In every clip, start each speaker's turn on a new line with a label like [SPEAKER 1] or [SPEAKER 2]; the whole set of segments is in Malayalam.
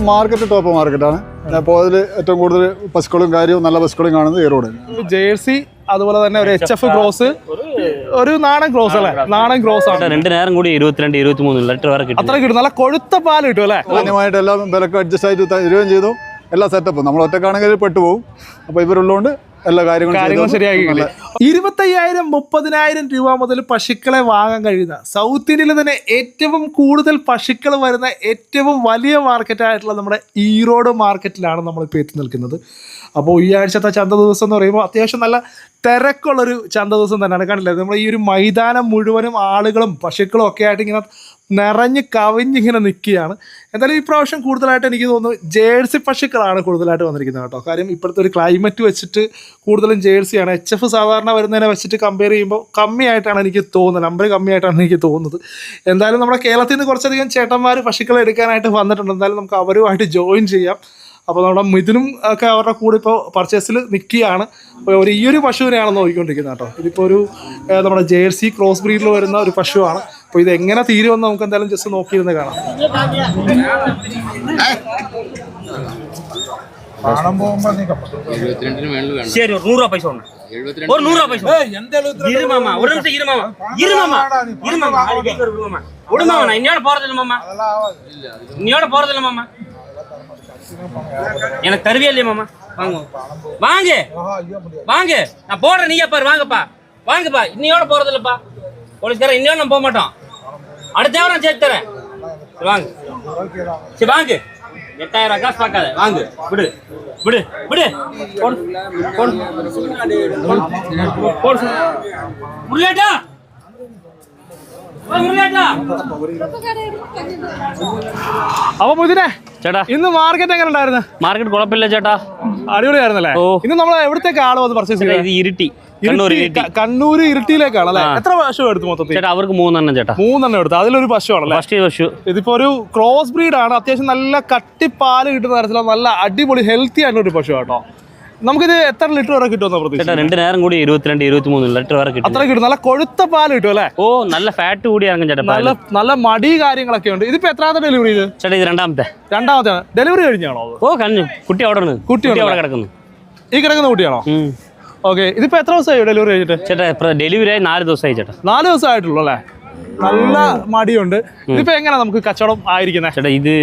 [SPEAKER 1] മാർക്കറ്റ് ടോപ്പ് മാർക്കറ്റാണ്. അപ്പോൾ അതിൽ ഏറ്റവും കൂടുതൽ പശുക്കളും കാര്യവും നല്ല പശുക്കളും കാണുന്നത് ഈറോഡ്.
[SPEAKER 2] ജേഴ്സി അതുപോലെ തന്നെ ഒരു HF ക്രോസ്, ഒരു നാടൻ ക്രോസ് അല്ലേ? നാടൻ ക്രോസ് ആണ്.
[SPEAKER 3] 2 നേരം കൂടി 22-23 ലിറ്റർ വരെ കിട്ടും.
[SPEAKER 2] അത്ര കിട്ടും. നല്ല കൊഴുത്ത പാല് കിട്ടും അല്ലേ?
[SPEAKER 1] മാന്യമായിട്ട് എല്ലാം വിലക്ക് അഡ്ജസ്റ്റ് ആയിട്ട് തരുകയും ചെയ്തു. എല്ലാ സെറ്റപ്പും നമ്മൾ ഒറ്റക്കാണെങ്കിൽ പെട്ടുപോകും. അപ്പോൾ ഇവരുള്ളതുകൊണ്ട് എല്ലാ കാര്യങ്ങളും
[SPEAKER 2] ശരിയാക്കി. 25,000-30,000 രൂപ മുതൽ പശുക്കളെ വാങ്ങാൻ കഴിയുന്ന സൗത്ത് ഇന്ത്യയിൽ തന്നെ ഏറ്റവും കൂടുതൽ പശുക്കൾ വരുന്ന ഏറ്റവും വലിയ മാർക്കറ്റായിട്ടുള്ള നമ്മുടെ ഈറോഡ് മാർക്കറ്റിലാണ് നമ്മളിപ്പോൾ എത്തി നിൽക്കുന്നത്. അപ്പോൾ ഈ ആഴ്ചത്തെ ചന്ത ദിവസം എന്ന് പറയുമ്പോൾ അത്യാവശ്യം നല്ല തിരക്കുള്ളൊരു ചന്ത ദിവസം തന്നെയാണ്. കണ്ടില്ലേ, നമ്മുടെ ഈ ഒരു മൈതാനം മുഴുവനും ആളുകളും പശുക്കളും ഒക്കെ ആയിട്ട് ഇങ്ങനെ നിറഞ്ഞ് കവിഞ്ഞിങ്ങനെ നിൽക്കുകയാണ്. എന്തായാലും ഈ പ്രാവശ്യം കൂടുതലായിട്ട് എനിക്ക് തോന്നുന്നു ജേഴ്സി പശുക്കളാണ് കൂടുതലായിട്ട് വന്നിരിക്കുന്നത് കേട്ടോ. കാര്യം ഇപ്പോഴത്തെ ഒരു ക്ലൈമറ്റ് വെച്ചിട്ട് കൂടുതലും ജേഴ്സിയാണ്. HF സാധാരണ വരുന്നതിനെ വെച്ചിട്ട് കമ്പയർ ചെയ്യുമ്പോൾ കമ്മിയായിട്ടാണ് എനിക്ക് തോന്നുന്നത്, നമ്പർ കമ്മിയായിട്ടാണ് എനിക്ക് തോന്നുന്നത്. എന്തായാലും നമ്മുടെ കേരളത്തിൽ നിന്ന് കുറച്ചധികം ചേട്ടന്മാർ പശുക്കളെ എടുക്കാനായിട്ട് വന്നിട്ടുണ്ട്. എന്തായാലും നമുക്ക് അവരുമായിട്ട് ജോയിൻ ചെയ്യാം. അപ്പോൾ നമ്മുടെ മിഥുനും ഒക്കെ അവരുടെ കൂടെ ഇപ്പോൾ പർച്ചേസിൽ നിൽക്കുകയാണ്. അപ്പോൾ ഈ ഒരു പശുവിനെയാണ് നോക്കിക്കൊണ്ടിരിക്കുന്നത് കേട്ടോ. ഇതിപ്പോൾ ഒരു നമ്മുടെ ജേഴ്സി ക്രോസ് ബ്രീഡിൽ വരുന്ന ഒരു പശുവാണ്. അപ്പോൾ ഇത് എങ്ങനെ തീരുമെന്ന് നമുക്ക് എന്തായാലും ജസ്റ്റ് നോക്കിയിരുന്ന് കാണാം.
[SPEAKER 3] எனக்கு தருவியா இல்லையா மாமா? வாங்க வாங்க வாங்க, நான் போடுறேன், நீயா பாரு. வாங்கப்பா வாங்கப்பா, இன்னையோட போறது இல்லப்பா. போலீஸ்காரன் இன்னையோட நம்ம போக மாட்டோம். அடுத்த வாரம் சேர்த்து தரேன். வாங்க சரி வாங்க. 8,000 காசு பார்க்காத, வாங்க. விடு விடு விடு. முருகேட்டா
[SPEAKER 2] അപ്പൊ മുതിരെ
[SPEAKER 3] ചേട്ടാ,
[SPEAKER 2] ഇന്ന് മാർക്കറ്റ് എങ്ങനെ ഉണ്ടായിരുന്നു?
[SPEAKER 3] മാർക്കറ്റ് കുഴപ്പമില്ല ചേട്ടാ,
[SPEAKER 2] അടിപൊളിയായിരുന്നല്ലേ? ഇന്ന് നമ്മൾ എവിടത്തേക്ക് ആള് വന്ന് പർച്ചേസ് ചെയ്തത്?
[SPEAKER 3] ഇത് ഇരിട്ടി,
[SPEAKER 2] കണ്ണൂർ ഇരിട്ടിയിലേക്കാണ് അല്ലേ? എത്ര പശു എടുത്തു മൊത്തത്തിൽ?
[SPEAKER 3] ചേട്ടാ അവർക്ക് 3 ചേട്ടാ.
[SPEAKER 2] 3 എടുത്തു. അതിലൊരു പശുവാണല്ലേ?
[SPEAKER 3] ഫസ്റ്റ് പശു.
[SPEAKER 2] ഇതിപ്പോ ഒരു ക്രോസ് ബ്രീഡ് ആണ്. അത്യാവശ്യം നല്ല കട്ടിപ്പാല് കിട്ടുന്ന തരത്തിലുള്ള നല്ല അടിപൊളി ഹെൽത്തി ആയിട്ടുള്ള ഒരു പശു കേട്ടോ. നമുക്കിത് എത്ര ലിറ്റർ വരെ കിട്ടുമെന്ന് പ്രതീക്ഷ?
[SPEAKER 3] 2 നേരം കൂടി 22-23 ലിറ്റർ വരെ കിട്ടും.
[SPEAKER 2] അത്ര കിട്ടും. നല്ല കൊഴുത്ത പാല് കിട്ടും അല്ലേ?
[SPEAKER 3] ഓ, നല്ല ഫാറ്റ് കൂടി ഇറങ്ങും ചേട്ടാ.
[SPEAKER 2] നല്ല മടി കാര്യങ്ങളൊക്കെ ഉണ്ട്. ഇതിപ്പോ എത്രാമത്തെ ഡെലിവറി ഇത്?
[SPEAKER 3] ചേട്ടാ ഇത് രണ്ടാമത്തെ.
[SPEAKER 2] ഡെലിവറി കഴിഞ്ഞാണോ?
[SPEAKER 3] ഓ കഴിഞ്ഞു. കുട്ടി അവിടെ അവിടെ കിടക്കുന്നു.
[SPEAKER 2] ഈ കിടക്കുന്ന കുട്ടിയാണോ? ഓക്കെ. ഇതിപ്പോ എത്ര ദിവസമായി ഡെലിവറി കഴിഞ്ഞിട്ട്?
[SPEAKER 3] ചേട്ടാ ഡെലിവറി ആയി 4 ദിവസമായി ചേട്ടാ.
[SPEAKER 2] 4 ദിവസം ആയിട്ടുള്ളൂ അല്ലേ? നല്ല മടിയുണ്ട്. ഇതിപ്പോ എങ്ങനെ നമുക്ക് കച്ചവടം ആയിരിക്കുന്നത്?
[SPEAKER 3] ചേട്ടാ ഇത്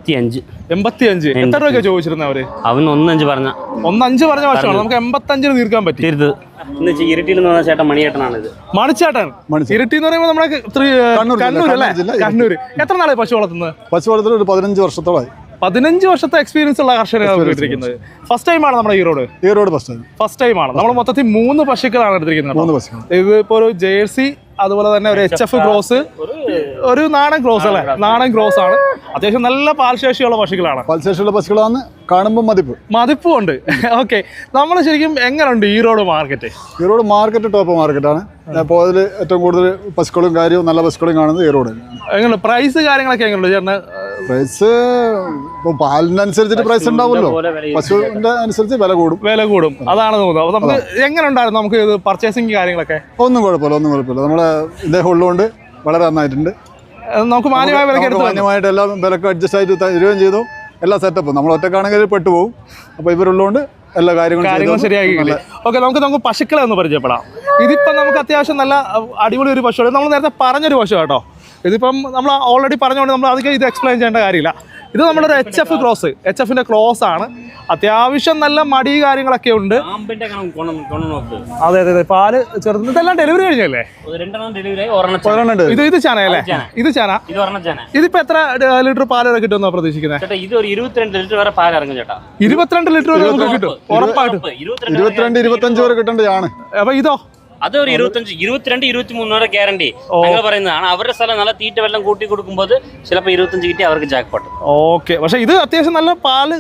[SPEAKER 3] 85.
[SPEAKER 2] എത്ര രൂപ ചോദിച്ചിരുന്ന അവര്?
[SPEAKER 3] അവൻ 1.5 പറഞ്ഞ
[SPEAKER 2] 1.5 പറഞ്ഞ വർഷമാണ്. നമുക്ക് 85 തീർക്കാൻ പറ്റി.
[SPEAKER 3] ഇരിട്ടിയിൽ നിന്ന് ചേട്ടൻ മണിയേട്ടനാണ് ഇത്.
[SPEAKER 2] മണിച്ചേട്ടൻ. ഇരിട്ടി എന്ന് പറയുമ്പോൾ നമ്മുടെ കണ്ണൂർ അല്ലേ? കണ്ണൂർ. എത്ര നാളെ പശു വളർത്തുന്നത്?
[SPEAKER 1] പശു വളർത്തുന്നത് ഒരു 15 വർഷത്തോളമായി.
[SPEAKER 2] 15 വർഷത്തെ എക്സ്പീരിയൻസ് ഉള്ള കർഷകരാണ് എടുത്തിരിക്കുന്നത്. ഫസ്റ്റ് ടൈമാണ് നമ്മുടെ ഈറോഡ് ഫസ്റ്റ് ടൈമാണ്. നമ്മൾ മൊത്തത്തിൽ 3 പശുക്കളാണ് എടുത്തിരിക്കുന്നത്. ഇതിപ്പോ ഒരു ജേഴ്സി, അതുപോലെ തന്നെ ഒരു HF ക്രോസ്, ഒരു നാടൻ ക്രോസ് അല്ലേ? നാടൻ ക്രോസ് ആണ്. അത്യാവശ്യം നല്ല പാൽശേഷിയുള്ള പശുക്കളാണ്.
[SPEAKER 1] പാൽശേഷിയുള്ള പശുക്കളാണ് കാണുമ്പോൾ മതിപ്പും
[SPEAKER 2] ഉണ്ട്. ഓക്കെ. നമ്മൾ ശരിക്കും എങ്ങനെയുണ്ട് Erode market?
[SPEAKER 1] Erode market top മാർക്കറ്റാണ്. അപ്പോൾ അതിൽ ഏറ്റവും കൂടുതൽ പശുക്കളും കാര്യവും നല്ല പശുക്കളും കാണുന്നത് ഈറോഡ്.
[SPEAKER 2] എങ്ങനെ പ്രൈസ് കാര്യങ്ങളൊക്കെ എങ്ങനെയുണ്ട് ചേട്ടന്?
[SPEAKER 1] പ്രൈസ് ഇപ്പോൾ പാലിനനുസരിച്ചിട്ട് പ്രൈസ് ഉണ്ടാവുമല്ലോ. പശുവിന്റെ അനുസരിച്ച് വില കൂടും. അതാണ് തോന്നുന്നത്. അപ്പോൾ നമുക്ക് എങ്ങനെ ഉണ്ടായിരുന്നു നമുക്ക് ഇത് പർച്ചേസിങ് കാര്യങ്ങളൊക്കെ? ഒന്നും കുഴപ്പമില്ല. നമ്മളെ ഇദ്ദേഹം ഉള്ളതുകൊണ്ട് വളരെ നന്നായിട്ടുണ്ട്. നമുക്ക് മാന്യമായിട്ട് എല്ലാം വിലക്ക് അഡ്ജസ്റ്റ് ആയിട്ട് തരുകയും ചെയ്തു. എല്ലാ സെറ്റപ്പും നമ്മൾ ഒറ്റക്കാണെങ്കിൽ പെട്ടുപോകും. അപ്പോൾ ഇവരുള്ളതുകൊണ്ട് എല്ലാ കാര്യങ്ങളും
[SPEAKER 2] ശരിയാക്കി. ഓക്കെ, നമുക്ക് പശുക്കളെ ഒന്ന് പരിചയപ്പെടാം. ഇതിപ്പം നമുക്ക് അത്യാവശ്യം നല്ല അടിപൊളി ഒരു പശുവാണ്. നമ്മൾ നേരത്തെ പറഞ്ഞൊരു പശു കേട്ടോ. ഇതിപ്പം നമ്മൾ ഓൾറെഡി പറഞ്ഞുകൊണ്ട് നമ്മൾ അധികം ഇത് എക്സ്പ്ലെയിൻ ചെയ്യേണ്ട കാര്യമില്ല. ഇത് നമ്മുടെ ഒരു HF ക്രോസ് ആണ്. അത്യാവശ്യം നല്ല മടി കാര്യങ്ങളൊക്കെ ഉണ്ട്. അതെ. പാല് ചെറുത്. ഇതെല്ലാം ഡെലിവറി കഴിഞ്ഞല്ലേ? ഇത് ചാനല്ലേ? ഇത് ചാന. ഇതിപ്പോ എത്ര ലിറ്റർ പാല് കിട്ടുമെന്നാ പ്രതീക്ഷിക്കുന്നത്?
[SPEAKER 3] 22 ലിറ്റർ വരെ പാൽ ഇറങ്ങും ചേട്ടാ.
[SPEAKER 2] 22 ലിറ്റർ വരെ നമുക്ക് കിട്ടും ഉറപ്പായിട്ടും.
[SPEAKER 1] 22-25 വരെ കിട്ടേണ്ടതാണ്.
[SPEAKER 2] അപ്പൊ ഇതോ?
[SPEAKER 3] അത് ഒരു 22-23 വരെ ഗ്യാരണ്ടി ഞങ്ങൾ പറയുന്നതാണ്. അവരുടെ സ്ഥലം നല്ല തീറ്റ വെള്ളം കൂട്ടി കൊടുക്കുമ്പോൾ ചിലപ്പോൾ 25 കിട്ടി അവർക്ക് ജാക്ക്പോട്ട്.
[SPEAKER 2] ഓക്കെ. പക്ഷെ ഇത് അത്യാവശ്യം നല്ല പാല്,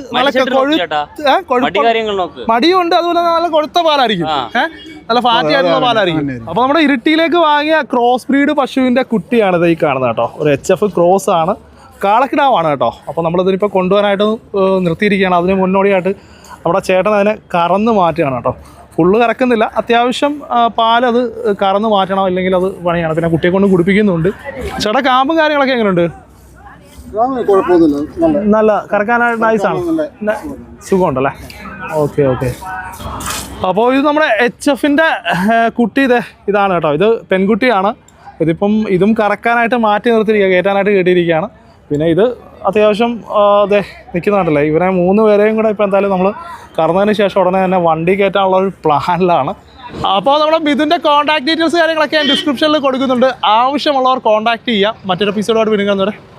[SPEAKER 2] മടിയുണ്ട്, അതുപോലെ നല്ല കൊഴുത്ത പാലായിരിക്കും. നല്ല ഫാറ്റി ആയിട്ടുള്ള പാലായിരിക്കും. അപ്പൊ നമ്മുടെ ഇരിട്ടിയിലേക്ക് വാങ്ങിയ ക്രോസ് ബ്രീഡ് പശുവിന്റെ കുട്ടിയാണ് ഇത് ഈ കാണുന്നത് കേട്ടോ. ഒരു HF ക്രോസ് ആണ്. കാളക്കിടാവാണ് കേട്ടോ. അപ്പോൾ നമ്മളിതിനിപ്പോൾ കൊണ്ടുപോകാനായിട്ട് നിർത്തിയിരിക്കുകയാണ്. അതിന് മുന്നോടിയായിട്ട് നമ്മുടെ ചേട്ടൻ അതിനെ കറന്ന് മാറ്റുകയാണ് കേട്ടോ. ഫുള്ള് കറക്കുന്നില്ല, അത്യാവശ്യം പാലത് കറന്ന് മാറ്റണം, അല്ലെങ്കിൽ അത് പണിയാണ്. പിന്നെ കുട്ടിയെ കൊണ്ട് കുടിപ്പിക്കുന്നുണ്ട്. ചേട്ടാ കാമ്പും കാര്യങ്ങളൊക്കെ എങ്ങനെയുണ്ട്?
[SPEAKER 1] കുഴപ്പമൊന്നുമില്ല,
[SPEAKER 2] നല്ല കറക്കാനായിട്ട് നൈസാണ്, സുഖമുണ്ടല്ലേ? Okay okay. അപ്പോൾ ഇത് നമ്മുടെ HF-ൻ്റെ കുട്ടി ഇതാണ് കേട്ടോ. ഇത് പെൺകുട്ടിയാണ്. ഇതും കറക്കാനായിട്ട് മാറ്റി നിർത്തിയിരിക്കുക, കയറ്റാനായിട്ട് കയറ്റിയിരിക്കുകയാണ്. പിന്നെ ഇത് അത്യാവശ്യം നിൽക്കുന്നുണ്ടല്ലേ. ഇവരെ 3 പേരെയും കൂടെ ഇപ്പോൾ എന്തായാലും നമ്മൾ കറന്നതിന് ശേഷം ഉടനെ തന്നെ വണ്ടി കയറ്റാനുള്ള ഒരു പ്ലാനിലാണ്. അപ്പോൾ നമ്മുടെ ബിദുൻ്റെ കോൺടാക്ട് ഡീറ്റെയിൽസ് കാര്യങ്ങളൊക്കെ ഞാൻ ഡിസ്ക്രിപ്ഷനിൽ കൊടുക്കുന്നുണ്ട്. ആവശ്യമുള്ളവർ കോൺടാക്ട് ചെയ്യാം. മറ്റൊരു എപ്പിസോഡായിട്ട് വീണ്ടും കാണുന്നവരെ